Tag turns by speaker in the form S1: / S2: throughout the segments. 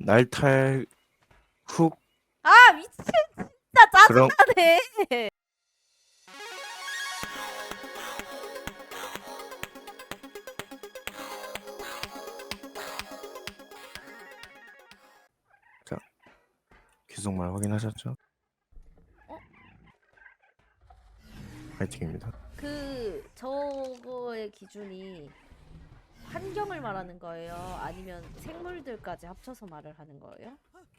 S1: 날탈 훅
S2: 아 미친 진짜
S1: 그런
S2: 짜증나네.
S1: 자 귀속말 확인하셨죠?
S2: 어?
S1: 파이팅입니다.
S2: 그 저거의 기준이 환경을 말하는 거예요? 아니면 생물들까지 합쳐서 말을 하는 거예요?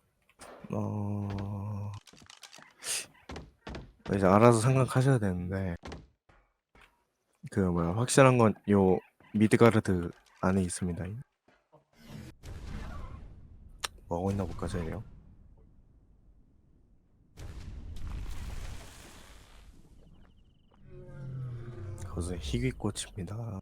S1: 이제 알아서 생각하셔야 되는데 그 뭐야 확실한 건 요 미드가르드 안에 있습니다. 뭐 하고 있나 볼까 저희요. 그것은 희귀꽃입니다.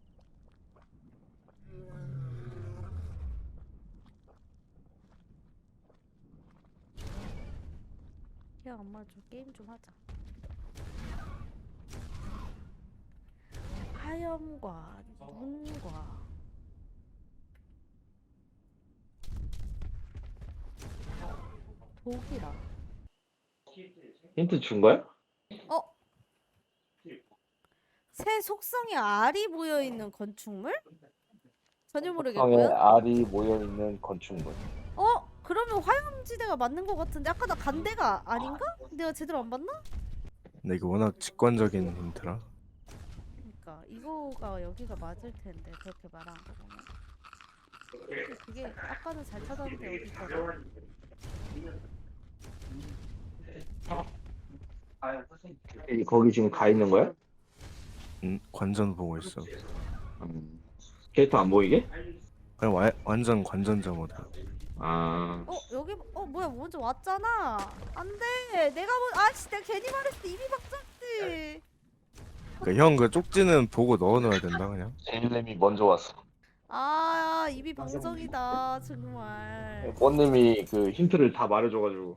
S2: 야 엄마 좀 게임 좀 하자. 하염과 눈과 독이라.
S3: 힌트 준 거야?
S2: 어? 새 속성에 알이 모여있는 건축물? 전혀
S3: 성에
S2: 모르겠고요.
S3: 알이 모여 있는 건축물.
S2: 그러면 화염지대가 맞는 것 같은데 아까 나 간대가 아닌가? 내가 제대로 안 봤나?
S1: 근데 이거 워낙 직관적인 힌트라
S2: 그러니까 이거가 여기가 맞을 텐데 그렇게 말한 거 보면. 근데 그게 아까는 잘 찾았는데 어디 있더라?
S3: 거기 지금 가 있는 거야?
S1: 관전 보고 있어.
S3: 캐릭터 안 보이게?
S1: 그냥 완전 관전자 모드.
S2: 여기 뭐야 먼저 왔잖아. 안돼 내가 아씨 내가 괜히 말했어. 입이 박혔지.
S1: 그러니까 형 그 쪽지는 보고 넣어놔야 된다 그냥.
S3: 제일님이 먼저 왔어.
S2: 아 입이 방정이다 정말.
S3: 뽀님이 그 힌트를 다 말해줘가지고.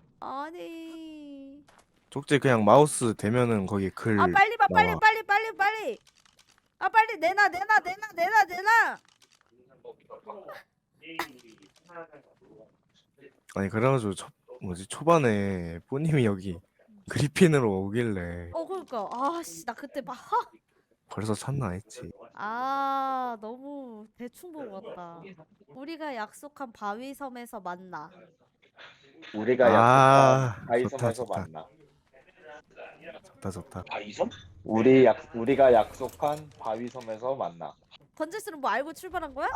S2: 아니
S1: 쪽지 그냥 마우스 대면은 거기 글
S2: 빨리 봐
S1: 나와.
S2: 빨리 빨리 내놔
S1: 아니 그래가지고 초반에 뿌님이 여기 그리핀으로 오길래
S2: 그러니까 아씨 나 그때 막
S1: 벌써 찾나 했지.
S2: 너무 대충 보고 왔다. 우리가 약속한 바위섬에서 만나.
S3: 우리가
S1: 아,
S3: 약속한 바위섬에서
S1: 좋다.
S3: 만나.
S1: 좋다.
S3: 바위섬? 우리가 약속한 바위섬에서 만나.
S2: 건재스는 뭐 알고 출발한 거야?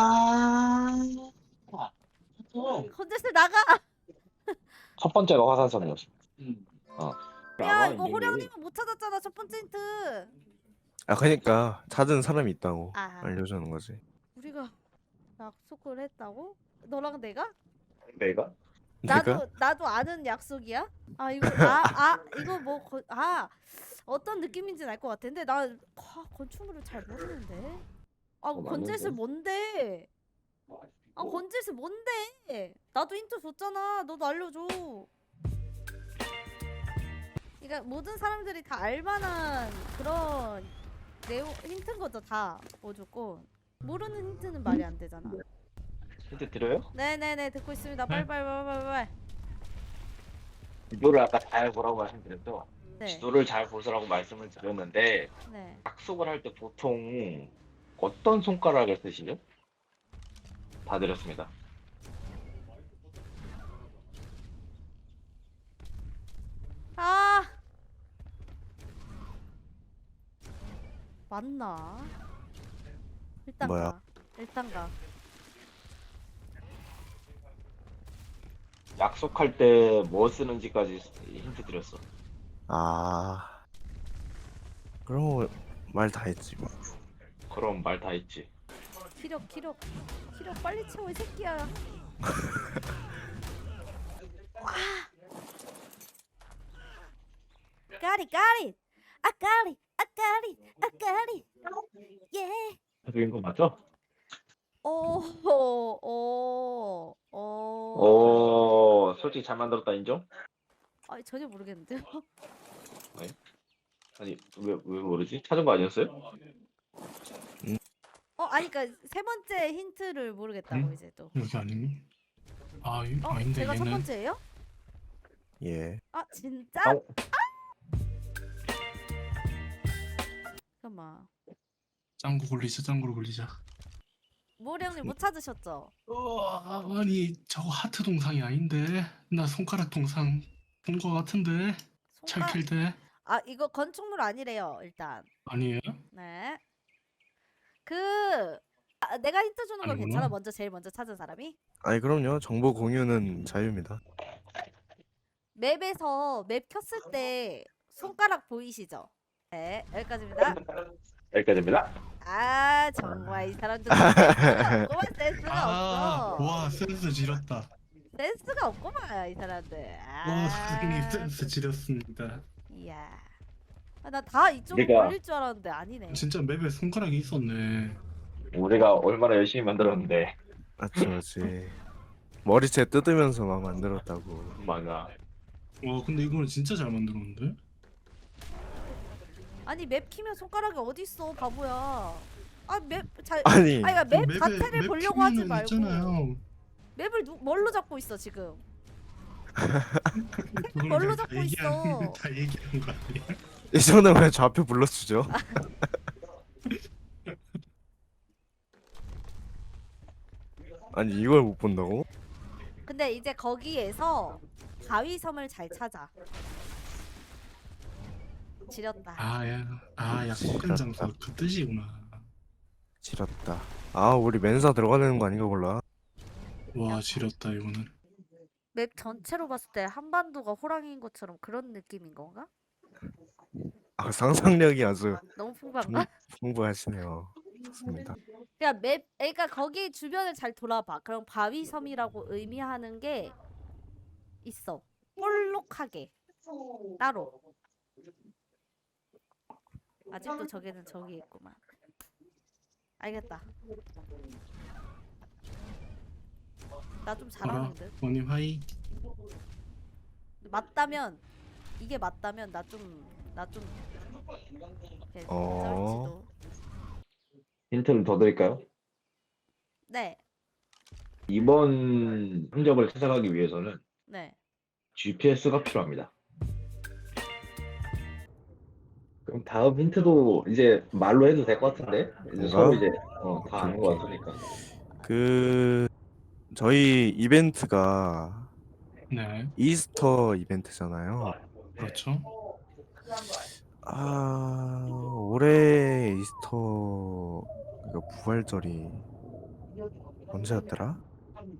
S2: 건재스 나가.
S3: 첫 번째가 화산섬이었어.
S2: 야 이거 호령님은 못 찾았잖아 첫 번째 힌트.
S1: 아 그러니까 찾은 사람이 있다고
S2: 아
S1: 알려주는 거지.
S2: 우리가 약속을 했다고? 너랑 내가?
S3: 내가?
S1: 내가?
S2: 나도 아는 약속이야? 이거 어떤 느낌인지는 알 것 같은데 나 건축물을 잘 모르는데. 건재스 뭔데? 건재스 뭔데? 나도 힌트 줬잖아. 너도 알려줘. 그러니까 모든 사람들이 다 알만한 그런 내용 힌트인 거죠 다 무조건. 모르는 힌트는 말이 안 되잖아.
S3: 힌트 드려요?
S2: 네네네 듣고 있습니다. 빨리.
S3: 지도를 아까 잘 보라고 말씀드렸죠.
S2: 네.
S3: 지도를 잘 보시라고 말씀을 드렸는데
S2: 네.
S3: 약속을 할 때 보통 어떤 손가락을 쓰시죠? 다 드렸습니다.
S2: 맞나? 일단
S1: 뭐야?
S2: 가. 일단 가.
S3: 약속할 때 뭐 쓰는지까지 힌트 드렸어.
S1: 그럼 말 다 했지 뭐.
S3: 그럼 말 다 했지.
S2: 기력 빨리 채워 이 새끼야. Got it. I got it. 예.
S3: 해드린 거 맞죠? 솔직히 잘 만들었다 인정?
S2: 전혀 모르겠는데요.
S3: 아니 왜 모르지? 찾은 거 아니었어요?
S2: 그러니까 세 번째 힌트를 모르겠다고 이제 또.
S4: 여기 아니니? 아닌데
S2: 제가 첫
S4: 얘는
S2: 번째예요?
S1: 예.
S2: 아 진짜?
S3: 아우.
S2: 잠깐만.
S4: 짱구 굴리자.
S2: 모리 형님 못 찾으셨죠?
S4: 아니 저거 하트 동상이 아닌데 나 손가락 동상 본 거 같은데
S2: 손가.
S4: 찰킬 때
S2: 아 이거 건축물 아니래요 일단.
S4: 아니에요?
S2: 네. 내가 힌트 주는 건
S4: 아니구나.
S2: 괜찮아? 제일 먼저 찾은 사람이?
S1: 아니 그럼요. 정보 공유는 자유입니다.
S2: 맵에서 맵 켰을 때 손가락 보이시죠? 네 여기까지입니다.
S3: 여기까지입니다.
S2: 아 정말 이 사람들 센스가 없구만. 센스가 없어.
S4: 와 센스 지렸다.
S2: 센스가 없구만 이 사람들.
S4: 와 선생님 센스 지렸습니다.
S2: 이야. 나 다 이쪽으로
S3: 내가-
S2: 걸릴 줄 알았는데 아니네.
S4: 진짜 맵에 손가락이 있었네.
S3: 우리가 얼마나 열심히 만들었는데.
S1: 맞지. 머리채 뜯으면서 막 만들었다고.
S3: 맞아.
S4: 와 근데 이거는 진짜 잘 만들었는데?
S2: 아니 맵 키면 손가락이 어디 있어 바보야. 아맵잘
S1: 아니
S2: 아니 맵
S4: 맵에-
S2: 자체를
S4: 맵
S2: 보려고 하지
S4: 키면은
S2: 말고
S4: 있잖아요.
S2: 맵을 뭘로 잡고 있어 지금?
S4: 그걸
S2: 뭘로
S4: 다
S2: 잡고
S4: 얘기하는-
S2: 있어?
S4: 다 얘기하는 거 아니야?
S1: 이 정도면 좌표 불러주죠. 아니 이걸 못 본다고?
S2: 근데 이제 거기에서 바위섬을 잘 찾아. 지렸다.
S4: 약속한 장소 그 뜻이구나.
S1: 지렸다. 아 우리 멘사 들어가야 되는 거 아닌가 몰라.
S4: 와 지렸다 이거는.
S2: 맵 전체로 봤을 때 한반도가 호랑이인 것처럼 그런 느낌인 건가?
S1: 아 상상력이 아주
S2: 너무 풍부한가?
S1: 풍부하시네요. 좋습니다.
S2: 그러니까 거기 주변을 잘 돌아봐. 그럼 바위섬이라고 의미하는 게 있어. 볼록하게 따로. 아직도 저기는 저기 있구만. 알겠다. 나 좀 잘하는 듯.
S4: 원님 하이.
S2: 맞다면 이게 맞다면 나 좀
S1: 어.
S2: 쩔지도.
S3: 힌트를 더 드릴까요?
S2: 네,
S3: 이번 흔적을 찾아가기 위해서는
S2: 네.
S3: GPS가 필요합니다. 그럼 다음 힌트도 이제 말로 해도 될 것 같은데? 이제 서로 이제 다 아는 것 같으니까.
S1: 그 저희 이벤트가
S4: 네
S1: 이스터 이벤트잖아요.
S4: 그렇죠.
S1: 아 올해 이스터 그 부활절이 언제였더라?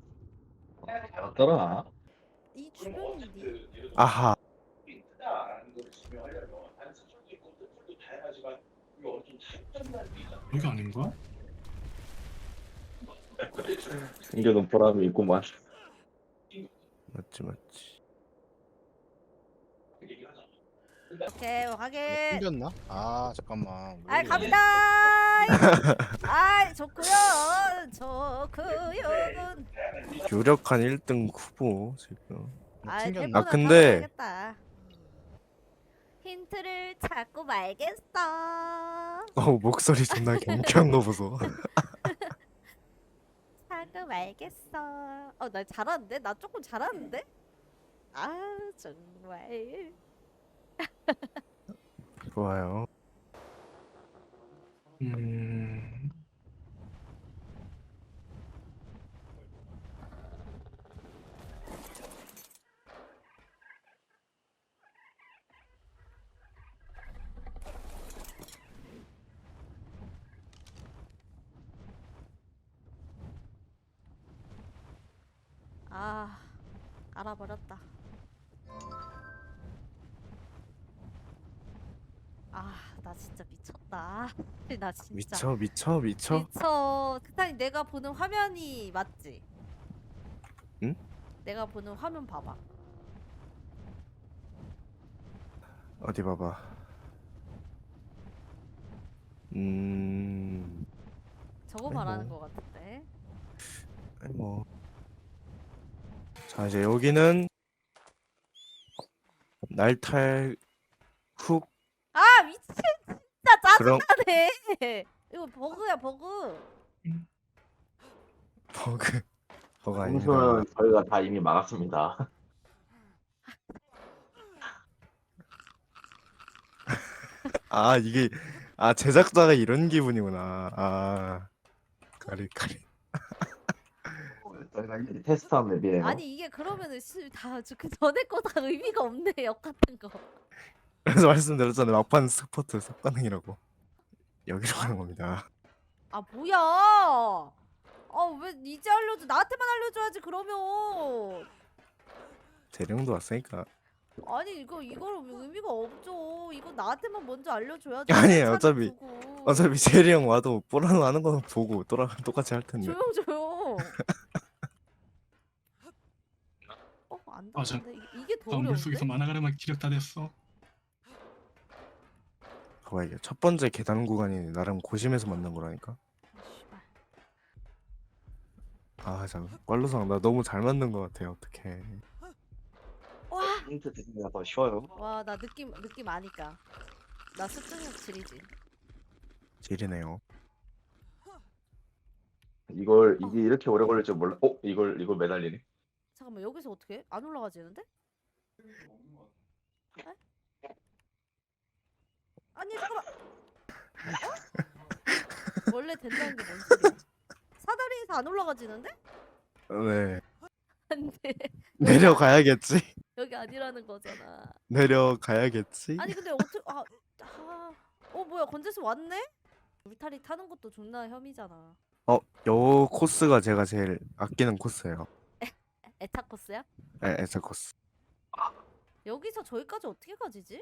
S3: 맞더라.
S2: 이 주변인데.
S1: 아하
S4: 여기 아닌가?
S3: 챙겨놓은 보람이 있구만.
S1: 맞지.
S2: 오케이 확인.
S5: 튕겼나? 아 잠깐만.
S2: 아이
S5: 모르겠네.
S2: 갑니다. 아이 좋고요.
S1: 유력한 1등 후보 지금.
S2: 아이
S5: 튕겼나?
S2: 템포는
S1: 아, 근데-
S2: 타봐야겠다. 힌트를 찾고 말겠어.
S1: 목소리 존나 경쾌한 거 보소.
S2: 찾고 말겠어. 나 잘하는데? 나 조금 잘하는데? 아 정말.
S1: 좋아요.
S4: 음.
S2: 아 알아버렸다. 나 진짜 미쳤다. 나 진짜
S1: 미쳐.
S2: 미쳐. 스타님 내가 보는 화면이 맞지?
S1: 응?
S2: 내가 보는 화면 봐봐.
S1: 어디 봐봐.
S2: 저거 말하는 거 같은데.
S1: 아니 뭐. 자 이제 여기는 날탈 훅
S2: 아 미친 진짜
S1: 그럼
S2: 짜증나네. 이거 버그야 버그.
S1: 버그. 그거 아닙니다.
S3: 공수는 저희가 다 이미 막았습니다.
S1: 아 이게 제작자가 이런 기분이구나. 까리.
S3: 저희가 이제 테스트한 맵이에요.
S2: 아니 이게 그러면은 다그 전에 거 다 의미가 없네 역 같은 거.
S1: 그래서 말씀드렸잖아요. 막판 스포트 습관행이라고. 여기로 가는 겁니다.
S2: 아 뭐야? 왜 이제 알려줘? 나한테만 알려줘야지 그러면.
S1: 재령도 왔으니까.
S2: 아니 이거는 의미가 없죠. 이거 나한테만 먼저 알려줘야지.
S1: 아니에요,
S2: 차를
S1: 어차피.
S2: 두고.
S1: 어차피 제리 형 와도 뽀라노 하는 거는 보고 똑같이 할 텐데.
S2: 조용. 안
S4: 맞아.
S2: 되는데 이게 더
S4: 나
S2: 어려운데?
S4: 물속에서 만화가르마 기력 다 됐어.
S1: 봐봐 이게 첫 번째 계단 구간이 나름 고심해서 만든 거라니까. 참 꽐로상 나 너무 잘 만든 거 같아. 어떡해.
S2: 와,
S3: 힌트 드리기가 더 쉬워요.
S2: 와 나 느낌 아니까. 나 습득력 질이지.
S1: 질이네요.
S3: 이게 이렇게 오래 걸릴 줄 몰라. 이걸 매달리네.
S2: 잠깐만 여기서 어떻게 해? 안 올라가지는데? 에? 아니 잠깐만. 원래 된다는 게 뭔 소리야? 사다리에서 안 올라가지는데?
S1: 네.
S2: 안돼.
S1: 내려가야겠지.
S2: 여기 아니라는 거잖아.
S1: 내려가야겠지.
S2: 아니 근데 어떻게 뭐야 건재수 왔네? 울타리 타는 것도 존나 혐의잖아.
S1: 요 코스가 제가 제일 아끼는 코스예요.
S2: 에타 코스야?
S1: 네, 에서 코스.
S2: 여기서 저기까지 어떻게 가지지?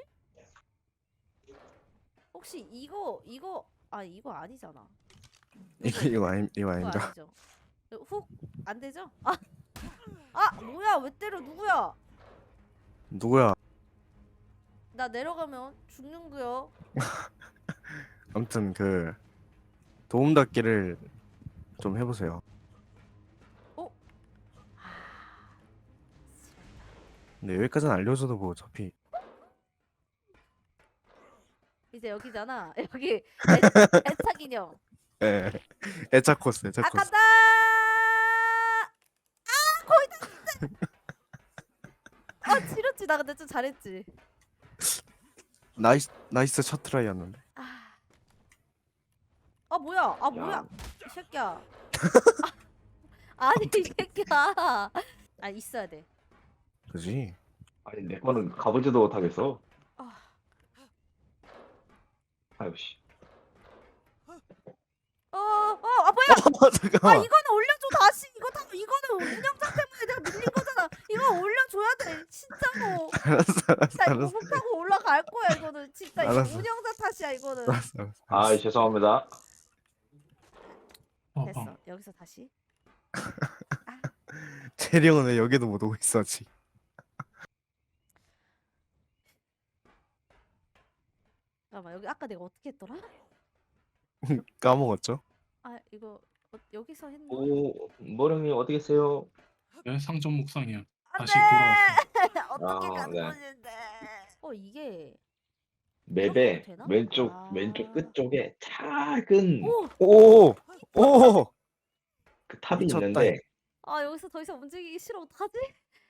S2: 혹시 이거 아니잖아.
S1: 이거
S2: 이거
S1: 아닙니다.
S2: 아니죠? 훅 안 되죠? 뭐야 왜 때려 누구야?
S1: 누구야?
S2: 나 내려가면 죽는구요.
S1: 아무튼 그 도움 닫기를 좀 해보세요. 근데 여기까지는 알려줘도 뭐 어차피
S2: 이제 여기잖아. 여기 에타 기념.
S1: 예 애차 코스.
S2: 간다. 거의 다 했는데. 지렸지 나 근데 좀 잘했지.
S1: 나이스 첫 트라이였는데.
S2: 뭐야? 이 새끼야. 아니 이 새끼야. 있어야 돼.
S1: 그지?
S3: 아니 내 거는 가보지도 못하겠어.
S2: 아.
S3: 아유 씨.
S2: 뭐야?
S1: 잠깐만.
S2: 이거는 올려줘 다시. 이거는 운영자 때문에 내가 밀린 거잖아. 이거 올려줘야 돼. 진짜로. 나 이거
S1: 알았어.
S2: 못하고 올라갈 거야. 이거는 진짜 이거
S1: 알았어.
S2: 운영자 탓이야. 이거는.
S1: 알았어.
S3: 죄송합니다.
S2: 됐어. 여기서 다시.
S1: 체리형은 왜 여기도 못 오고 있어 아직.
S2: 잠깐만 여기 아까 내가 어떻게 했더라?
S1: 까먹었죠?
S2: 이거 여기서 했나?
S3: 모령님 어디 계세요?
S4: 상점 묵상이야.
S2: 안
S4: 다시
S2: 돼!
S4: 돌아왔어.
S2: 어떻게 가는
S3: 네.
S2: 건데? 이게
S3: 맵에
S2: 이렇게 되나?
S3: 왼쪽 끝 쪽에 작은
S2: 오!
S1: 오!
S3: 그 탑이
S1: 미쳤다,
S3: 있는데
S2: 여기서 더 이상 움직이기 싫어. 어떡하지?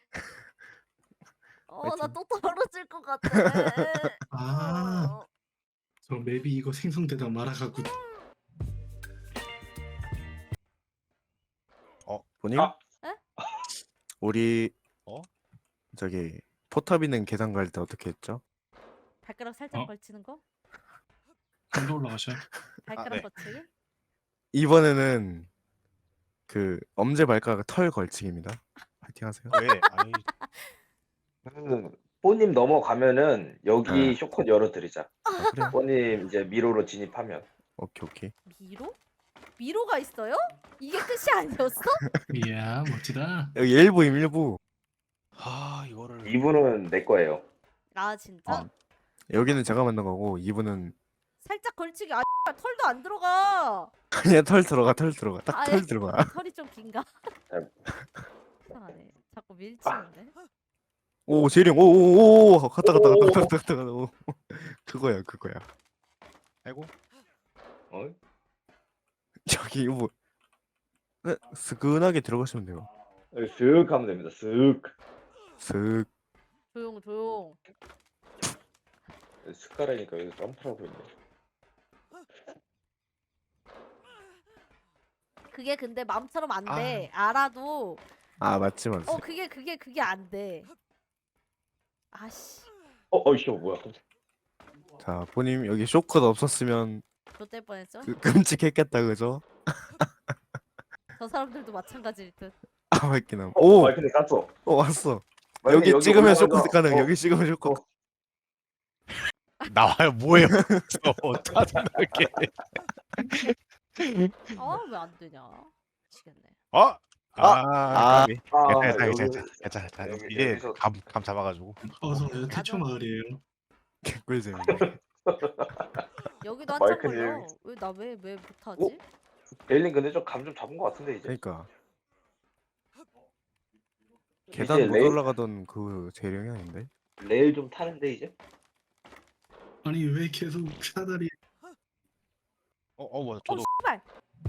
S2: 나
S1: 파이팅.
S2: 또 떨어질 것 같아.
S4: 저 맵이 이거 생성되다 말아가고
S1: 보님?
S3: 아.
S2: 에?
S1: 우리
S5: 어?
S1: 저기 포탑 있는 계단 갈 때 어떻게 했죠?
S2: 발가락 살짝
S4: 어?
S2: 걸치는 거?
S4: 좀더 올라가셔요.
S2: 발가락
S5: 네.
S2: 걸치기?
S1: 이번에는 그 엄지 발가락 털 걸치기입니다. 파이팅 하세요.
S5: 왜? 아니
S3: 뽀님 넘어가면은 여기
S1: 네.
S3: 쇼컷 열어드리자.
S1: 그래요?
S3: 뽀님 이제 미로로 진입하면.
S1: 오케이.
S2: 미로? 미로가 있어요? 이게 끝이 아니었어?
S4: 이야 멋지다.
S1: 여기 일부.
S5: 이거를
S3: 2부는 내 거예요.
S2: 진짜?
S1: 여기는 제가 만든 거고 2부는
S2: 살짝 걸치기. 털도 안 들어가.
S1: 그냥 털 들어가. 딱 털
S2: 예.
S1: 들어가.
S2: 털이 좀 긴가?
S3: 잘-
S2: 이상하네. 자꾸 밀치는데.
S1: 오 재령 오오오 갔다. 오. 그거야.
S5: 아이고
S3: 어?
S1: 여기 뭐 스근하게 들어가시면 돼요.
S3: 쓱 하면 됩니다. 쓱.
S1: 슥.
S2: 조용 조용.
S3: 쓱가라니까 여기 점프라고 있네.
S2: 그게 근데 마음처럼 안 돼. 알아도
S1: 아 맞지 맞지.
S2: 그게 안 돼. 아씨.
S3: 이씨 뭐야?
S1: 자 보님 여기 쇼컷 없었으면
S2: 좆될 뻔했죠?
S1: 끔찍했겠다 그죠?
S2: 저 사람들도 마찬가지일 듯.
S1: 아 맞긴 함. 오!
S3: 마이크님 깠어.
S1: 왔어.
S3: 마이크님
S1: 여기 찍으면
S3: 올라가서-
S1: 쇼컷 가능.
S3: 어,
S1: 여기 찍으면 쇼컷.
S5: 나와요 뭐예요? 어떡하게?
S2: 아 왜 안 되냐? 미치겠네.
S5: 어? 까비.
S3: 여기-
S5: 괜찮아.
S3: 여기-
S5: 이제
S3: 여기서-
S5: 감 잡아가지고.
S4: 저는 태초 마을이에요.
S1: 개꿀잼.
S2: 여기도 한참
S3: 마이크님.
S2: 걸려. 왜 나 왜 못하지?
S3: 베일린 근데 좀 감 좀 잡은 것 같은데 이제.
S1: 그러니까 계단
S3: 이제
S1: 못
S3: 레일,
S1: 올라가던 그 재령이 아닌데?
S3: 레일 좀 타는데 이제.
S4: 아니 왜 계속 사다리
S5: 뭐 저도.
S2: 씨발.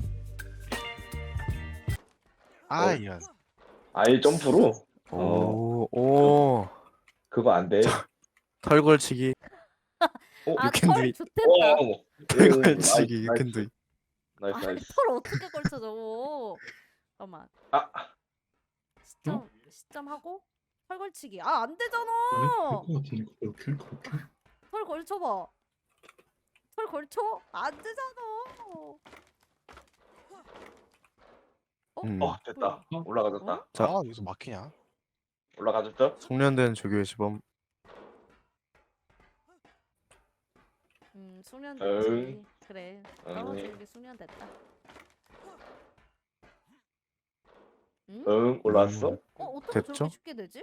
S5: 아 이런.
S3: 아예 점프로?
S1: 오.
S3: 그거 안 돼.
S1: 털 걸치기.
S2: 아
S1: You can do
S2: 털
S1: it.
S2: 좋댔다.
S1: 털 걸치기. You can do it.
S3: 나이스
S2: 아니
S3: 나이스.
S2: 털 어떻게 걸쳐 저거? 잠깐만.
S3: 아
S2: 시점하고 털 걸치기. 아 안 되잖아.
S4: 될것 같은데 그렇게?
S2: 털 걸쳐봐. 털 걸쳐? 안 되잖아.
S3: 됐다.
S2: 뭐야?
S3: 올라가졌다.
S1: 자.
S5: 아 여기서 막히냐?
S3: 올라가졌죠?
S1: 숙련된 조교의 시범.
S2: 숙련됐지. 그래.
S3: 응.
S2: 떨어지는 게 숙련됐다. 응?
S3: 응 올라왔어.
S2: 어떻게
S1: 됐죠?
S2: 저렇게 쉽게 되지?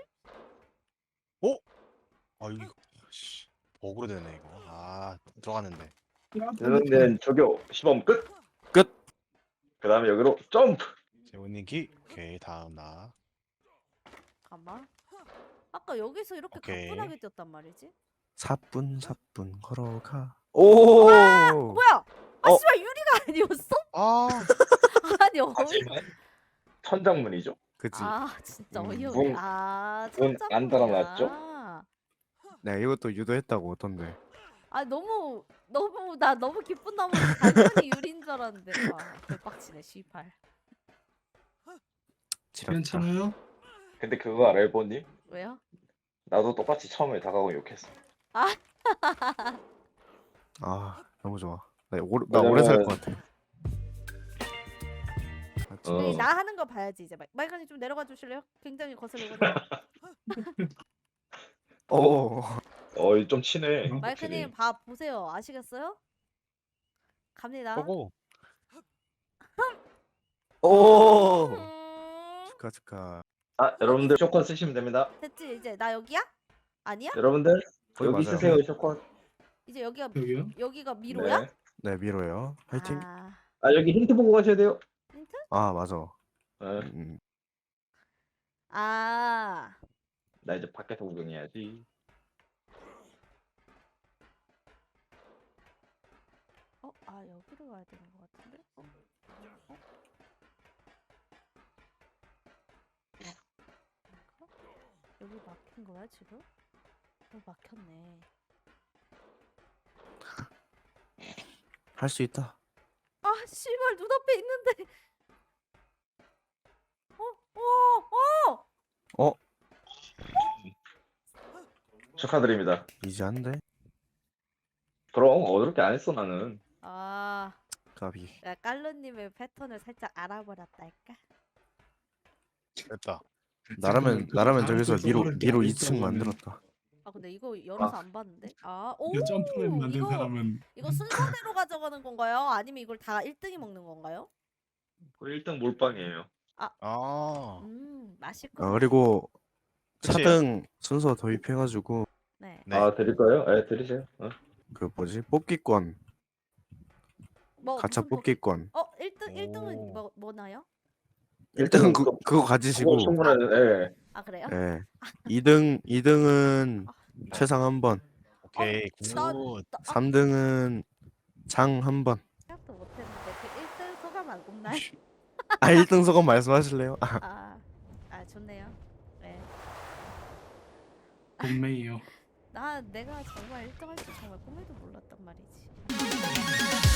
S5: 아 이거 씨 버그로 되네 이거. 아 들어갔는데.
S3: 저는 저교 시범 끝.
S1: 끝.
S3: 그 다음에 여기로 점프.
S5: 재훈님 기. 오케이 다음 나.
S2: 잠깐만. 아까 여기서 이렇게
S5: 오케이.
S2: 가뿐하게 뛰었단 말이지?
S1: 사뿐 걸어가. 오.
S2: 뭐야? 아
S1: 어.
S2: 씨발 유리가 아니었어?
S5: 아
S2: 아니 어이.
S3: 하지만 천장문이죠.
S1: 그치.
S2: 아 진짜
S1: 음,
S2: 어이없네.
S3: 문-
S2: 아
S3: 문안
S2: 천장문이야.
S3: 달아놨죠?
S1: 네 이것도 유도했다고 어떤데?
S2: 아 나 너무 기쁜 나머지 당연히 유리인 줄 알았는데 아 대박치네 씨발.
S1: 지렸다.
S4: 괜찮아요?
S3: 근데 그거 알아요, 보님?
S2: 왜요?
S3: 나도 똑같이 처음에 다가오고 욕했어.
S1: 아 너무 좋아. 나 오래 살 것 같아. 맞지?
S3: 어.
S2: 나 하는 거 봐야지 이제. 마이크님 좀 내려가 주실래요? 굉장히 거슬리거든요.
S1: 오.
S3: 좀 치네.
S2: 마이크님 봐 보세요. 아시겠어요? 갑니다.
S5: 보고.
S1: 오.
S2: 음,
S1: 축하.
S3: 여러분들 쇼컨 쓰시면 됩니다.
S2: 됐지 이제 나 여기야? 아니야?
S3: 여러분들
S1: 거기
S3: 여기
S1: 맞아요.
S3: 쓰세요 쇼컨.
S2: 이제
S4: 여기요?
S2: 여기가 미로야?
S3: 네.
S1: 네 미로예요. 화이팅.
S3: 여기 힌트 보고 가셔야 돼요.
S2: 힌트?
S1: 아 맞아.
S3: 네.
S2: 아
S3: 나 이제 밖에서 구경해야지.
S2: 여기로 가야 되는 것 같은데? 여기 막힌 거야 지금? 막혔네.
S1: 할 수 있다.
S2: 아 씨발 눈앞에 있는데.
S1: 어?
S3: 축하드립니다.
S1: 이제 한데?
S3: 그럼 어렵게 안 했어 나는.
S2: 아,
S1: 까비.
S2: 야, 깔루님의 패턴을 살짝 알아버렸달까?
S5: 됐다.
S1: 나라면 저기서 미로
S4: 어렵게
S1: 2층
S4: 하면
S1: 만들었다.
S2: 아 근데 이거 열어서 안 봤는데?
S4: 이거 점프맨 만든
S2: 이거
S4: 사람은
S2: 이거 순서대로 가져가는 건가요? 아니면 이걸 다 1등이 먹는 건가요?
S3: 1등 몰빵이에요.
S5: 아
S2: 맛있구나.
S1: 그리고
S5: 그치?
S1: 차등 순서 도입해가지고
S2: 네.
S5: 네.
S3: 드릴까요? 네 드리세요.
S1: 그 뭐지 뽑기권 가차
S2: 무슨
S1: 뽑기권
S2: 1등은
S5: 오.
S2: 뭐나요?
S1: 1등은 그거 가지시고
S3: 그거 충분한. 예.
S2: 아 그래요?
S1: 예 2등은 최상 한번
S5: 오케이
S2: 나-
S5: 굿.
S1: 3등은 장 한번
S2: 생각도 못했는데 그 1등 소감 안 굽나요?
S1: 아 1등 소감 말씀하실래요?
S2: 아 왜?
S4: 본메이요.
S2: 내가 정말 1등 할 줄 정말 꿈에도 몰랐단 말이지.